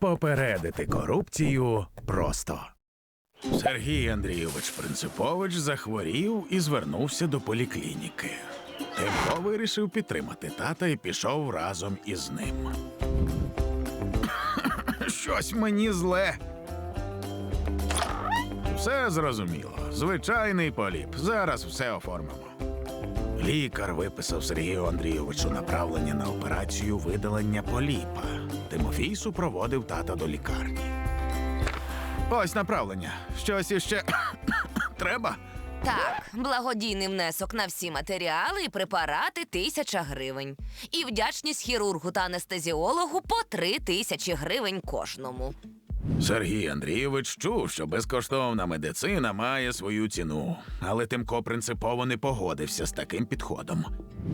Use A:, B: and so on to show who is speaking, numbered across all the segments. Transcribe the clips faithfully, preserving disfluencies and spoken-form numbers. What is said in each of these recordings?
A: Попередити корупцію просто. Сергій Андрійович Принципович захворів і звернувся до поліклініки. Тимко вирішив підтримати тата і пішов разом із ним. Щось мені зле. Все зрозуміло. Звичайний поліп. Зараз все оформимо. Лікар виписав Сергію Андрійовичу направлення на операцію видалення поліпа. Тимофій супроводив тата до лікарні. Ось направлення. Щось іще треба?
B: Так, благодійний внесок на всі матеріали і препарати – тисяча гривень. І вдячність хірургу та анестезіологу по три тисячі гривень кожному.
A: Сергій Андрійович чув, що безкоштовна медицина має свою ціну. Але Тимко принципово не погодився з таким підходом.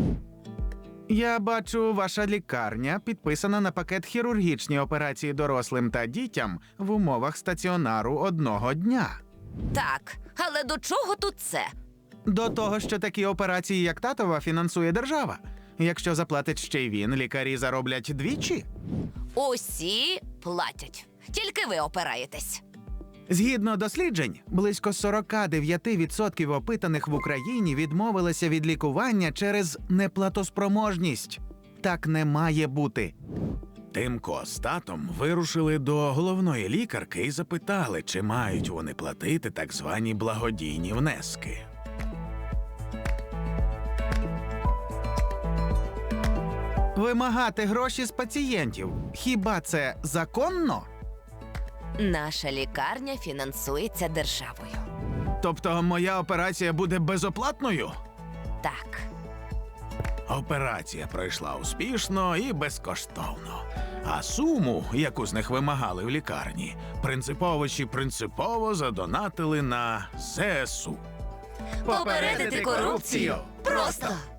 C: Я бачу, ваша лікарня підписана на пакет хірургічні операції дорослим та дітям в умовах стаціонару одного дня.
B: Так, але до чого тут це?
C: До того, що такі операції, як татова, фінансує держава. Якщо заплатить ще й він, лікарі зароблять двічі.
B: Усі платять. Тільки ви опираєтесь.
C: Згідно досліджень, близько сорок дев'ять відсотків опитаних в Україні відмовилися від лікування через неплатоспроможність. Так не має бути.
A: Тимко з татом вирушили до головної лікарки і запитали, чи мають вони платити так звані благодійні внески.
C: Вимагати гроші з пацієнтів – хіба це законно?
B: Наша лікарня фінансується державою.
C: Тобто моя операція буде безоплатною?
B: Так.
A: Операція пройшла успішно і безкоштовно. А суму, яку з них вимагали в лікарні, принциповичі принципово задонатили на ЗСУ.
B: Попередити корупцію просто!